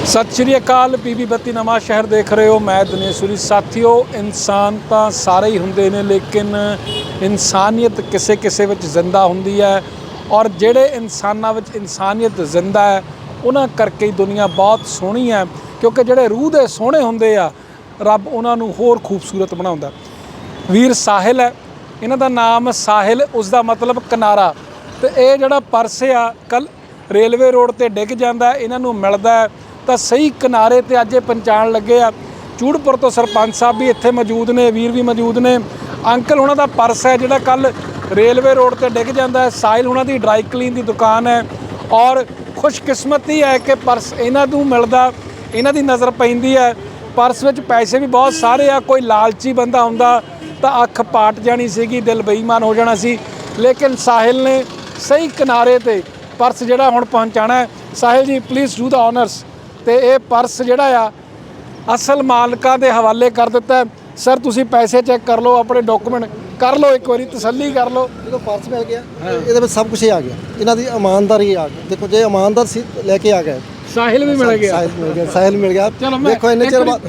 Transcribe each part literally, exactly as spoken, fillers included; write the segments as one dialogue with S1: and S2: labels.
S1: सत श्री अकाल पीबी बत्ती नवा शहर देख रहे हो। मैं दिनेशपुरी। साथियों, इंसान तो सारे ही होंदे ने, लेकिन इंसानियत किसे किसे विच जिंदा हुंदी है और जिहड़े इंसानां विच इंसानियत जिंदा है उन्हां करके ही दुनिया बहुत सोहनी है, क्योंकि जिहड़े रूह दे सोहणे हुंदे आ रब उन्हां नूं होर खूबसूरत बनाउंदा। वीर साहिल है, इन्हां दा नाम साहिल, उसका मतलब किनारा। तो ये जिहड़ा पर्स आ कल रेलवे रोड ते डिग जांदा, इन्हां नूं मिलदा तो सही किनारे ते अज पहुँचाण लगे आ। चूड़पुर तो सरपंच साहब भी इत्थे मौजूद ने, वीर भी मौजूद ने। अंकल हुणां दा पर्स है जिहड़ा कल रेलवे रोड ते डिग जांदा है। साहिल हुणां दी ड्राई क्लीन की दुकान है और खुशकिस्मती है कि पर्स इन्हां नूं मिलदा, इन्हां दी नज़र पैंदी है। पर्स विच पैसे भी बहुत सारे आ। कोई लालची बंदा हुंदा तां अख पाट जानी सीगी, दिल बेईमान हो जाना सी, लेकिन साहिल ने सही किनारे ते पर्स जिहड़ा हुण पहुँचाना है। Sahil ji please do the honours. तो ये पर्स जिहड़ा आ असल मालकां दे हवाले कर दिता है। सर तुसीं पैसे चैक कर लो, अपने डॉक्यूमेंट कर लो, एक बारी तसल्ली कर लो।
S2: जो पर्स मिल गया ये में सब कुछ ही आ गया, इन्हों की ईमानदारी आ गई। देखो जो ईमानदार सी लेके आ गए।
S1: साहिल भी मिल गया,
S2: साहिल मिल गया, साहिल मिल गया।
S1: चलो
S2: देखो इन्ने चिर बाद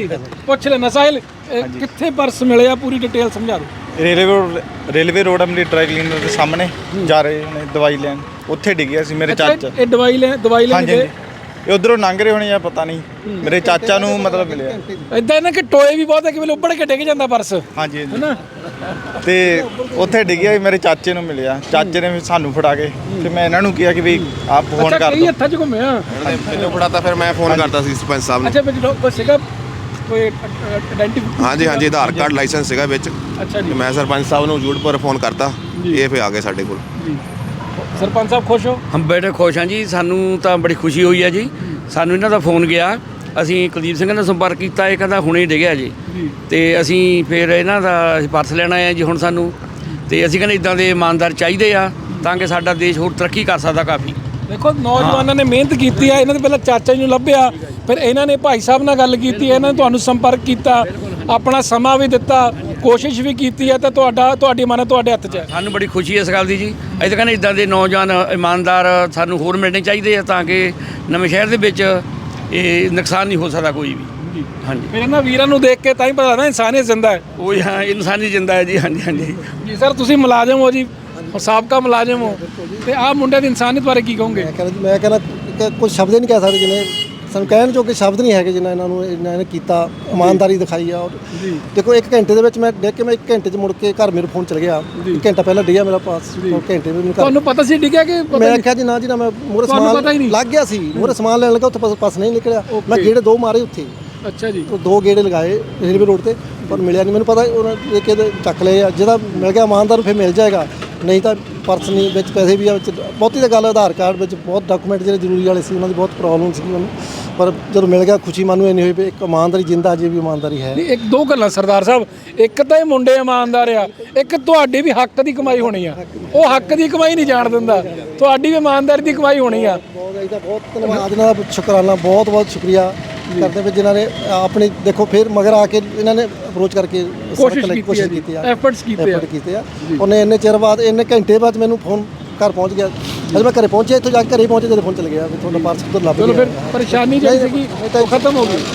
S1: पुछ लेना साहिल कित्थे पर्स मिले आ, पूरी डिटेल समझा दो।
S3: Railway road railway road Amli dry cleaner के सामने जा रहे ने दवाई लैन, उत्थे डिग्गिया सी मेरे चाचा।
S1: ये दवाई ले दवाई
S3: हाँ
S1: लेने
S3: जी, ये उधरों लंघ रहे होने या पता नहीं, मेरे चाचा नूं मतलब मिले।
S1: इदां ना कि टोए भी बहुत है कि वे उबड़ के डिग जांदा पर्स।
S3: हाँ जी
S1: है ना,
S3: ते उत्थे डिग्गिया मेरे चाचे नूं मिलिया। चाचे ने फिर सानू फड़ा के फिर मैं इन्हां नूं किहा कि भी आप फोन
S1: अच्छा
S3: कर
S1: कई
S3: दो।
S1: हत्थां च घुम्मिया।
S4: मैंने फड़ाता, फिर मैं फोन करता सी सरपंच साहब
S1: अच्छा बस सीगा कोई आइडेंटिटी।
S4: हाँ जी हाँ जी, आधार कार्ड लाइसेंस सीगा विच।
S1: अच्छा जी,
S4: मैं सरपंच साहब नूं जूड़ पर फोन करता, ये फिर आ गए साडे कोल।
S1: जी सरपंच साहब खुश हो?
S5: हम बड़े खुश हाँ जी, सानू तो बड़ी खुशी हुई है जी। सानू इन्हां दा फोन गया, ਅਸੀਂ ਕੁਲਦੀਪ ਸਿੰਘ ਨਾਲ ਸੰਪਰਕ ਕੀਤਾ, ਇਹ ਕਹਿੰਦਾ ਹੁਣੇ ਡਿੱਗਿਆ ਜੀ। ਤੇ ਅਸੀਂ ਫਿਰ ਇਹਨਾਂ ਦਾ ਪਰਸ ਲੈਣ ਆਏ ਆ ਜੀ ਹੁਣ ਸਾਨੂੰ। ਤੇ ਅਸੀਂ ਕਹਿੰਦੇ ਇਦਾਂ ਦੇ ਇਮਾਨਦਾਰ ਚਾਹੀਦੇ ਆ ਤਾਂ ਕਿ ਸਾਡਾ ਦੇਸ਼ ਹੋਰ ਤਰੱਕੀ ਕਰ ਸਕਦਾ ਕਾਫੀ।
S1: ਦੇਖੋ ਨੌਜਵਾਨਾਂ ਨੇ ਮਿਹਨਤ ਕੀਤੀ ਆ, ਇਹਨਾਂ ਦੇ ਪਹਿਲਾਂ ਚਾਚਾ ਜੀ ਨੂੰ ਲੱਭਿਆ, ਫਿਰ ਇਹਨਾਂ ਨੇ ਭਾਈ ਸਾਹਿਬ ਨਾਲ ਗੱਲ ਕੀਤੀ, ਇਹਨਾਂ ਨੇ ਤੁਹਾਨੂੰ ਸੰਪਰਕ ਕੀਤਾ, ਆਪਣਾ ਸਮਾਂ ਵੀ ਦਿੱਤਾ, ਕੋਸ਼ਿਸ਼ ਵੀ ਕੀਤੀ ਹੈ, ਤਾਂ ਤੁਹਾਡਾ ਤੁਹਾਡੀ ਮਨ ਤੁਹਾਡੇ ਹੱਥ 'ਚ ਹੈ। ਸਾਨੂੰ
S5: ਬੜੀ ਖੁਸ਼ੀ ਇਸ ਗੱਲ ਦੀ ਜੀ। ਅਸੀਂ ਤਾਂ ਕਹਿੰਦੇ ਇਦਾਂ ਦੇ ਨੌਜਵਾਨ ਇਮਾਨਦਾਰ ਸਾਨੂੰ ਹੋਰ ਮਿਲਣੇ ਚਾਹੀਦੇ ਆ ਤਾਂ ਕਿ ਨਵੇਂ ਸ਼ਹਿਰ ਦੇ ਵਿੱਚ ਇਹ ਨੁਕਸਾਨ ਨਹੀਂ ਹੋ ਸਕਦਾ ਕੋਈ ਵੀ। ਹਾਂਜੀ,
S1: ਫਿਰ ਇਹਨਾਂ ਵੀਰਾਂ ਨੂੰ ਦੇਖ ਕੇ ਤਾਂ ਹੀ ਪਤਾ ਲੱਗਦਾ ਇਨਸਾਨੀਅਤ ਜ਼ਿੰਦਾ ਹੈ।
S5: ਉਹ ਹਾਂ ਇਨਸਾਨੀ ਜਿੰਦਾ ਹੈ ਜੀ। ਹਾਂਜੀ ਹਾਂਜੀ
S1: ਜੀ ਸਰ, ਤੁਸੀਂ ਮੁਲਾਜ਼ਮ ਹੋ ਜੀ, ਸਾਬਕਾ ਮੁਲਾਜ਼ਮ ਹੋ, ਤੇ ਆਹ ਮੁੰਡੇ ਦੀ ਇਨਸਾਨੀਅਤ ਬਾਰੇ ਕੀ ਕਹੋਗੇ?
S2: ਮੈਂ ਕਹਿੰਦਾ ਮੈਂ ਕਹਿੰਦਾ ਕੁਝ ਸ਼ਬਦ ਨਹੀਂ ਕਹਿ ਸਕਦੇ ਜਿੰਨੇ ਸਾਨੂੰ ਕਹਿਣ ਜੋਗੇ ਸ਼ਬਦ ਨਹੀਂ ਹੈਗੇ ਜਿੰਨਾ ਇਹਨਾਂ ਨੂੰ ਇਹਨਾਂ ਨੇ ਕੀਤਾ, ਇਮਾਨਦਾਰੀ ਦਿਖਾਈ ਆ।
S1: ਜੀ
S2: ਦੇਖੋ ਇੱਕ ਘੰਟੇ ਦੇ ਵਿੱਚ ਮੈਂ ਦੇਖ ਕੇ ਮੈਂ ਇੱਕ ਘੰਟੇ 'ਚ ਮੁੜ ਕੇ ਘਰ ਮੇਰੇ ਫੋਨ ਚਲ ਗਿਆ। ਇੱਕ ਘੰਟਾ ਪਹਿਲਾਂ ਡਿੱਗਿਆ ਮੇਰਾ ਪਾਸ, ਘੰਟੇ ਵਿੱਚ ਮੈਨੂੰ
S1: ਤੁਹਾਨੂੰ ਪਤਾ ਸੀ ਡਿੱਗਿਆ ਕਿ
S2: ਮੈਂ ਆਖਿਆ ਜੀ ਨਾ ਜੀ ਨਾ, ਮੈਂ ਮੂਹਰੇ ਸਮਾਨ ਲੱਗ ਗਿਆ ਸੀ, ਮੂਹਰੇ ਸਮਾਨ ਲੈਣ ਲੱਗਾ, ਉੱਥੇ ਪਾਸ ਨਹੀਂ ਨਿਕਲਿਆ। ਮੈਂ ਗੇੜੇ ਦੋ ਮਾਰੇ ਉੱਥੇ।
S1: ਅੱਛਾ ਜੀ,
S2: ਦੋ ਗੇੜੇ ਲਗਾਏ ਰੇਲਵੇ ਰੋਡ ਤੇ, ਪਰ ਮਿਲਿਆ ਨਹੀਂ। ਮੈਨੂੰ ਪਤਾ ਉਹਨਾਂ ਨੇ ਕਿਹਦੇ ਚੱਕ ਲਏ ਆ, ਜਿਹਦਾ ਮਿਲ ਗਿਆ ਇਮਾਨਦਾਰ ਫਿਰ ਮਿਲ ਜਾਏਗਾ, ਨਹੀਂ ਤਾਂ ਪਰਸ ਨਹੀਂ ਵਿੱਚ ਪੈਸੇ ਵੀ ਆ ਵਿੱਚ। ਬਹੁਤੀ ਤਾਂ ਗੱਲ ਆਧਾਰ ਕਾਰਡ ਵਿੱਚ ਬਹੁਤ ਡਾਕੂਮੈਂਟ ਜਿਹੜੇ ਜ਼ਰੂਰੀ ਵਾਲੇ ਸੀ ਉਹਨਾਂ ਦੀ ਬਹੁਤ ਪ੍ਰੋਬਲਮ ਸੀ ਮੈਨੂੰ, ਪਰ ਜਦੋਂ ਮਿਲ ਗਿਆ ਖੁਸ਼ੀ ਮਨ ਨੂੰ ਇੰਨੀ ਹੋਈ ਵੀ ਇੱਕ ਇਮਾਨਦਾਰੀ ਜਿੰਦਾ ਅਜੇ ਵੀ ਇਮਾਨਦਾਰੀ ਹੈ।
S1: ਇੱਕ ਦੋ ਗੱਲਾਂ ਸਰਦਾਰ ਸਾਹਿਬ, ਇੱਕ ਤਾਂ ਇਹ ਮੁੰਡੇ ਇਮਾਨਦਾਰ ਆ, ਇੱਕ ਤੁਹਾਡੀ ਵੀ ਹੱਕ ਦੀ ਕਮਾਈ ਹੋਣੀ ਆ। ਉਹ ਹੱਕ ਦੀ ਕਮਾਈ ਨਹੀਂ ਜਾਣ ਦਿੰਦਾ, ਤੁਹਾਡੀ ਵੀ ਇਮਾਨਦਾਰੀ ਦੀ ਕਮਾਈ ਹੋਣੀ ਆ।
S2: ਬਹੁਤ ਇਹਦਾ ਬਹੁਤ ਧੰਨਵਾਦ ਇਹਨਾਂ ਦਾ, ਸ਼ੁਕਰਾਨਾ, ਬਹੁਤ ਬਹੁਤ ਸ਼ੁਕਰੀਆ ਕਰਦੇ ਵੀ ਜਿਨ੍ਹਾਂ ਨੇ ਆਪਣੀ ਦੇਖੋ ਫਿਰ ਮਗਰ ਆ ਕੇ ਇਹਨਾਂ ਨੇ ਅਪਰੋਚ ਕਰਕੇ
S1: ਕੋਸ਼ਿਸ਼
S2: ਕੀਤੀ ਆ,
S1: ਐਫਰਟਸ ਕੀਤੇ ਆ
S2: ਕੀਤੇ ਆ। ਉਹਨੇ ਇੰਨੇ ਚਿਰ ਬਾਅਦ ਇੰਨੇ ਘੰਟੇ ਬਾਅਦ ਮੈਨੂੰ ਫੋਨ ਘਰ ਪਹੁੰਚ ਗਿਆ। ਅਜੇ ਮੈਂ ਘਰੇ ਪਹੁੰਚਿਆ, ਇੱਥੋਂ ਜਾ ਕੇ ਘਰੇ ਪਹੁੰਚੇ ਜਦੋਂ ਫੋਨ ਚਲ ਗਿਆ ਵੀ ਤੁਹਾਡਾ ਪਾਰਸਲ ਉੱਧਰ ਲੱਭ ਗਿਆ।
S1: ਚਲੋ ਫਿਰ ਪਰੇਸ਼ਾਨੀ ਜਿਹੜੀ ਸੀਗੀ ਉਹ ਖਤਮ ਹੋ ਗਈ।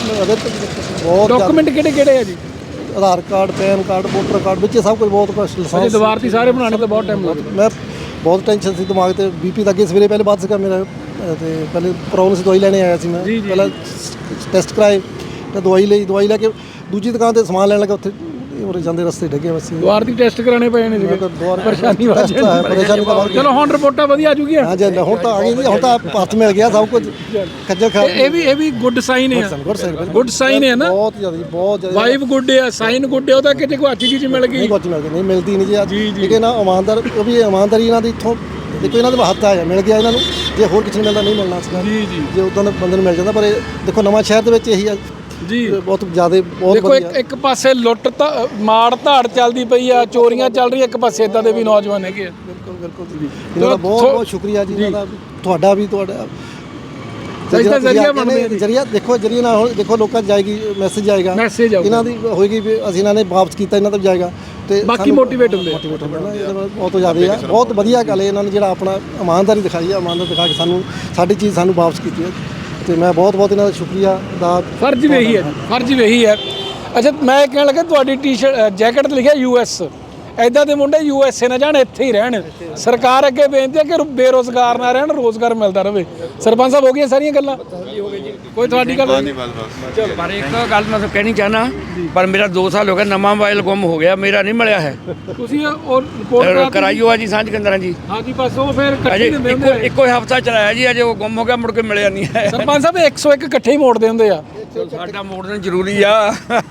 S2: ਬਹੁਤ
S1: ਡਾਕੂਮੈਂਟ ਕਿਹੜੇ ਕਿਹੜੇ ਆ ਜੀ?
S2: Aadhaar card, PAN card, voter card ਵਿੱਚ ਸਭ ਕੁਝ ਬਹੁਤ ਕੁਛ।
S1: ਅਜੇ ਦੀਵਾਰ ਤੇ ਸਾਰੇ ਬਣਾਉਣੇ ਤਾਂ ਬਹੁਤ ਟਾਈਮ ਲੱਗਦਾ।
S2: ਮੈਂ ਬਹੁਤ ਟੈਨਸ਼ਨ ਸੀ ਦਿਮਾਗ ਤੇ, ਬੀਪੀ ਤਾਂ ਅੱਗੇ ਸਵੇਰੇ ਪਹਿਲੇ ਬਾਅਦ ਸੀਗਾ ਮੇਰਾ, ਤੇ ਪਹਿਲੇ ਪ੍ਰੋਬਲਮ ਸੀ, ਦਵਾਈ ਲੈਣੇ ਆਇਆ ਸੀ ਮੈਂ। ਪਹਿਲਾਂ ਟੈਸਟ ਕਰਾਏ ਤੇ ਦਵਾਈ ਲਈ, ਦਵਾਈ ਲੈ ਕੇ ਦੂਜੀ ਦੁਕਾਨ ਤੇ ਸਮਾਨ ਲੈਣ ਲੱਗਾ, ਉੱਥੇ ਉਰੇ ਜਾਂਦੇ ਰਸਤੇ ਡਿੱਗੇ ਬਸ।
S1: ਦੁਆਰ ਦੀ ਟੈਸਟ ਕਰਾਣੇ ਪਏ ਨੇ ਜੀ, ਪਰੇਸ਼ਾਨੀ ਵਾਲਾ
S2: ਪਰੇਸ਼ਾਨੀ ਤਾਂ।
S1: ਚਲੋ ਹੁਣ ਰਿਪੋਰਟਾਂ ਵਧੀਆ ਆ ਜੂਗੀਆਂ।
S2: ਹਾਂਜੀ ਹੁਣ ਤਾਂ ਆ ਗਈ, ਹੁਣ ਤਾਂ ਪਰਸ ਮਿਲ ਗਿਆ, ਸਭ ਕੁਝ ਖੱਜਲ ਖਾ।
S1: ਇਹ ਵੀ ਇਹ ਵੀ ਗੁੱਡ ਸਾਈਨ ਹੈ, ਗੁੱਡ ਸਾਈਨ ਹੈ ਨਾ।
S2: ਬਹੁਤ ਜ਼ਿਆਦਾ ਬਹੁਤ ਜ਼ਿਆਦਾ
S1: ਵਾਈਬ ਗੁੱਡ ਹੈ, ਸਾਈਨ ਗੁੱਡ ਹੈ। ਉਹਦਾ ਕਿਤੇ ਕੋਈ ਅੱਛੀ ਚੀਜ਼ ਮਿਲ ਗਈ,
S2: ਨਹੀਂ ਕੁਝ ਮਿਲ ਗਈ, ਨਹੀਂ ਮਿਲਦੀ ਨਹੀਂ ਜੀ। ਠੀਕ ਹੈ ਨਾ, ਇਮਾਨਦਾਰ ਉਹ ਵੀ ਇਮਾਨਦਾਰੀ ਇਹਨਾਂ ਦੀ ਇੱਥੋਂ ਦੇਖੋ, ਇਹਨਾਂ ਦੇ ਹੱਥ ਆ ਮਿਲ ਗਿਆ ਇਹਨਾਂ ਨੂੰ। ਜੇ ਹੋਰ ਕਿਸੇ ਨੂੰ ਮਿਲਦਾ ਨਹੀਂ ਮਿਲਣਾ ਸੀਗਾ ਜੀ ਜੀ, ਜੇ ਉਦਾਂ ਦੇ ਬੰਦੇ ਨੂੰ ਮਿਲ ਜਾਂਦਾ। ਪਰ ਇਹ ਦੇਖੋ ਨਵਾਂ ਸ਼ਹਿਰ ਦੇ ਵਿੱਚ ਇਹੀ ਆ
S1: ਜੀ, ਬਹੁਤ
S2: ਜ਼ਿਆਦਾ ਬਹੁਤ
S1: ਦੇਖੋ ਇੱਕ ਇੱਕ ਪਾਸੇ ਲੁੱਟ ਤਾਂ ਮਾਰ ਧਾੜ ਚੱਲਦੀ ਪਈ ਆ, ਚੋਰੀਆਂ ਚੱਲ ਰਹੀਆਂ, ਇੱਕ ਪਾਸੇ ਇਦਾਂ ਦੇ ਵੀ ਨੌਜਵਾਨ ਹੈਗੇ ਆ।
S2: ਬਿਲਕੁਲ ਬਿਲਕੁਲ ਜੀ, ਇਹਨਾਂ ਦਾ ਬਹੁਤ ਬਹੁਤ ਸ਼ੁਕਰੀਆ ਜੀ, ਇਹਨਾਂ ਦਾ ਤੁਹਾਡਾ ਵੀ। ਤੁਹਾਡਾ ਜ਼ਰੀਆ ਬਣਦੇ ਜ਼ਰੀਆ ਦੇਖੋ, ਜ਼ਰੀਆ ਨਾਲ ਹੁਣ ਦੇਖੋ ਲੋਕਾਂ 'ਚ ਜਾਏਗੀ, ਮੈਸੇਜ ਜਾਏਗਾ,
S1: ਮੈਸੇਜ
S2: ਇਹਨਾਂ ਦੀ ਹੋਏਗੀ ਵੀ ਅਸੀਂ ਇਹਨਾਂ ਨੇ ਵਾਪਸ ਕੀਤਾ, ਇਹਨਾਂ ਦਾ ਵੀ ਜਾਏਗਾ ਤੇ
S1: ਬਾਕੀ ਮੋਟੀਵੇਟ ਹੁੰਦੇ
S2: ਮੋਟੀਵੇਟ ਹੁੰਦੇ ਨਾ। ਇਹਦੇ ਨਾਲ ਬਹੁਤ ਜ਼ਿਆਦਾ ਆ, ਬਹੁਤ ਵਧੀਆ ਗੱਲ ਹੈ ਇਹਨਾਂ ਨੇ ਜਿਹੜਾ ਆਪਣਾ ਇਮਾਨਦਾਰੀ ਦਿਖਾਈ ਆ, ਇਮਾਨਦਾਰੀ ਦਿਖਾ ਕੇ ਸਾਨੂੰ ਸਾਡੀ ਚੀਜ਼ ਸਾਨੂੰ ਵਾਪਸ ਕੀਤੀ ਹੈ। ਤੇ ਮੈਂ ਬਹੁਤ ਬਹੁਤ ਇਹਨਾਂ ਦਾ ਸ਼ੁਕਰੀਆ ਦਾ
S1: ਫਰਜ਼ ਵੀ ਇਹੀ ਹੈ ਜੀ, ਫਰਜ਼ ਵੀ ਇਹੀ ਹੈ। ਅੱਛਾ, ਮੈਂ ਇਹ ਕਹਿਣ ਲੱਗਾ ਤੁਹਾਡੀ ਟੀ-ਸ਼ਰਟ ਜੈਕਟ ਤੇ ਲਿਖਿਆ ਯੂ ਐਸ, ਐਦਾਂ ਦੇ ਮੁੰਡੇ ਯੂ ਐਸ ਏ ਨਾ ਜਾਣ, ਇੱਥੇ ਹੀ ਰਹਿਣ। ਸਰਕਾਰ ਅੱਗੇ ਬੇਨਤੀ ਹੈ ਕਿ ਬੇਰੁਜ਼ਗਾਰ ਨਾ ਰਹਿਣ, ਰੋਜ਼ਗਾਰ ਮਿਲਦਾ ਰਹੇ। ਸਰਪੰਚ ਸਾਹਿਬ ਹੋ ਗਈਆਂ ਸਾਰੀਆਂ ਗੱਲਾਂ? ਕੋਈ ਤੁਹਾਡੀ ਗੱਲ ਨਹੀਂ?
S5: ਚਲੋ, ਪਰ ਇੱਕ ਗੱਲ ਮੈਂ ਤੁਹਾਨੂੰ ਕਹਿਣੀ ਚਾਹਨਾ, ਪਰ ਮੇਰਾ ਦੋ ਸਾਲ ਹੋ ਗਿਆ, ਨਵਾਂ ਮੋਬਾਈਲ ਗੁੰਮ ਹੋ ਗਿਆ, ਮੇਰਾ ਨਹੀਂ ਮਿਲਿਆ ਹੈ।
S1: ਤੁਸੀਂ ਉਹ ਰਿਪੋਰਟ
S5: ਕਰਾਈਓ ਆ ਜੀ ਸਾਂਝ ਕੇਂਦਰਾਂ ਜੀ।
S1: ਹਾਂਜੀ, ਬਸ ਉਹ ਫਿਰ
S5: ਅਜੇ
S1: ਇਕੱਠੇ
S5: ਇੱਕੋ ਇੱਕੋ ਹਫਤਾ ਚਲਾਇਆ ਜੀ, ਅਜੇ ਉਹ ਗੁੰਮ ਹੋ ਗਿਆ, ਮੁੜ ਕੇ ਮਿਲਿਆ ਨਹੀਂ ਹੈ।
S1: ਸਰਪੰਚ ਸਾਹਿਬ ਇੱਕ ਸੌ ਇੱਕ ਇਕੱਠੇ ਹੀ ਮੋੜਦੇ ਹੁੰਦੇ ਆ।
S5: ਸਾਡਾ ਮੋੜਨਾ ਜ਼ਰੂਰੀ ਆ।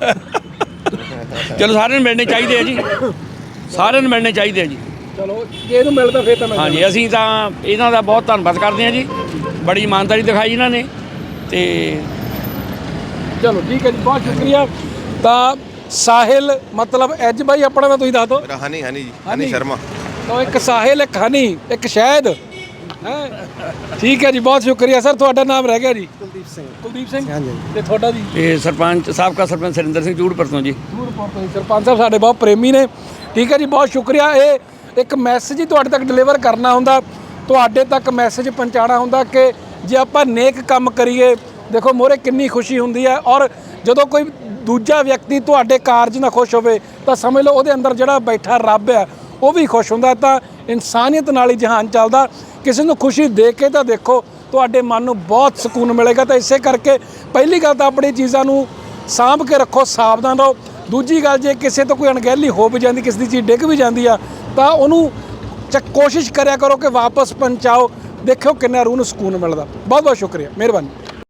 S5: ਚਲੋ, ਸਾਰਿਆਂ ਨੂੰ ਮਿਲਣੇ ਚਾਹੀਦੇ ਆ ਜੀ, ਸਾਰਿਆਂ ਨੂੰ ਮਿਲਣੇ ਚਾਹੀਦੇ ਆ ਜੀ।
S1: ਚਲੋ, ਜੇ ਇਹਨੂੰ ਮਿਲਦਾ ਫਿਰ ਤਾਂ ਮੈਂ
S5: ਹਾਂਜੀ, ਅਸੀਂ ਤਾਂ ਇਹਨਾਂ ਦਾ ਬਹੁਤ ਧੰਨਵਾਦ ਕਰਦੇ ਹਾਂ ਜੀ, ਬੜੀ ਇਮਾਨਦਾਰੀ ਦਿਖਾਈ ਇਹਨਾਂ ਨੇ। ਤੇ
S1: ਚਲੋ ਠੀਕ ਹੈ ਜੀ, ਬਹੁਤ ਸ਼ੁਕਰੀਆ। ਤਾਂ ਸਾਹਿਲ ਮਤਲਬ ਐਜ ਬਾਈ ਆਪਣਾ ਤਾਂ ਤੁਸੀਂ ਦੱਸ ਦਿਓ।
S4: ਮੇਰਾ ਹਨੀ ਹਨੀ ਜੀ
S1: ਹਨੀ।
S4: ਹਨੀ ਸ਼ਰਮਾ।
S1: ਤਾਂ ਇੱਕ ਸਾਹਿਲ, ਇੱਕ ਹਨੀ, ਇੱਕ ਸ਼ਹਿਦ ਹੈ। ਠੀਕ ਹੈ ਜੀ, ਬਹੁਤ ਸ਼ੁਕਰੀਆ ਸਰ। ਤੁਹਾਡਾ ਨਾਮ ਰਹਿ ਗਿਆ ਜੀ?
S2: ਕੁਲਦੀਪ ਸਿੰਘ।
S1: ਕੁਲਦੀਪ ਸਿੰਘ।
S2: ਹਾਂਜੀ।
S1: ਤੇ ਤੁਹਾਡਾ ਜੀ?
S5: ਇਹ ਸਰਪੰਚ ਸਾਬਕਾ ਸਰਪੰਚ ਸਰਿੰਦਰ ਸਿੰਘ ਜੂੜਪੁਰ ਤੋਂ ਜੀ।
S1: ਜੂੜਪੁਰ ਤੋਂ ਜੀ। ਸਰਪੰਚ ਸਾਹਿਬ ਸਾਡੇ ਬਹੁਤ ਪ੍ਰੇਮੀ ਨੇ। ਠੀਕ ਹੈ ਜੀ, ਬਹੁਤ ਸ਼ੁਕਰੀਆ। ਇਹ ਇੱਕ ਮੈਸੇਜ ਹੀ ਤੁਹਾਡੇ ਤੱਕ ਡਿਲੀਵਰ ਕਰਨਾ ਹੁੰਦਾ, ਤੁਹਾਡੇ ਤੱਕ ਮੈਸੇਜ ਪਹੁੰਚਾਉਣਾ ਹੁੰਦਾ ਕਿ ਜੇ ਆਪਾਂ ਨੇਕ ਕੰਮ ਕਰੀਏ, ਦੇਖੋ ਮੋਹਰੇ ਕਿੰਨੀ ਖੁਸ਼ੀ ਹੁੰਦੀ ਹੈ। ਔਰ ਜਦੋਂ ਕੋਈ ਦੂਜਾ ਵਿਅਕਤੀ ਤੁਹਾਡੇ ਕਾਰਜ ਨਾਲ ਖੁਸ਼ ਹੋਵੇ ਤਾਂ ਸਮਝ ਲਓ ਉਹਦੇ ਅੰਦਰ ਜਿਹੜਾ ਬੈਠਾ ਰੱਬ ਹੈ ਉਹ ਵੀ ਖੁਸ਼ ਹੁੰਦਾ। ਤਾਂ ਇਨਸਾਨੀਅਤ ਨਾਲ ਹੀ ਜਹਾਨ ਚੱਲਦਾ। ਕਿਸੇ ਨੂੰ ਖੁਸ਼ੀ ਦੇ ਕੇ ਤਾਂ ਦੇਖੋ, ਤੁਹਾਡੇ ਮਨ ਨੂੰ ਬਹੁਤ ਸਕੂਨ ਮਿਲੇਗਾ। ਤਾਂ ਇਸੇ ਕਰਕੇ ਪਹਿਲੀ ਗੱਲ ਤਾਂ ਆਪਣੀ ਚੀਜ਼ਾਂ ਨੂੰ ਸਾਂਭ ਕੇ ਰੱਖੋ, ਸਾਵਧਾਨ ਰਹੋ। ਦੂਜੀ ਗੱਲ, ਜੇ ਕਿਸੇ ਤੋਂ ਕੋਈ ਅਣਗਹਿਲੀ ਹੋ ਵੀ ਜਾਂਦੀ, ਕਿਸੇ ਦੀ ਚੀਜ਼ ਡਿੱਗ ਵੀ ਜਾਂਦੀ ਆ, ਤਾਂ ਉਹਨੂੰ ਚ ਕੋਸ਼ਿਸ਼ ਕਰਿਆ ਕਰੋ ਕਿ ਵਾਪਸ ਪਹੁੰਚਾਓ। ਦੇਖਿਓ ਕਿੰਨਾ ਰੂਹ ਨੂੰ ਸਕੂਨ ਮਿਲਦਾ। ਬਹੁਤ ਬਹੁਤ ਸ਼ੁਕਰੀਆ, ਮਿਹਰਬਾਨੀ।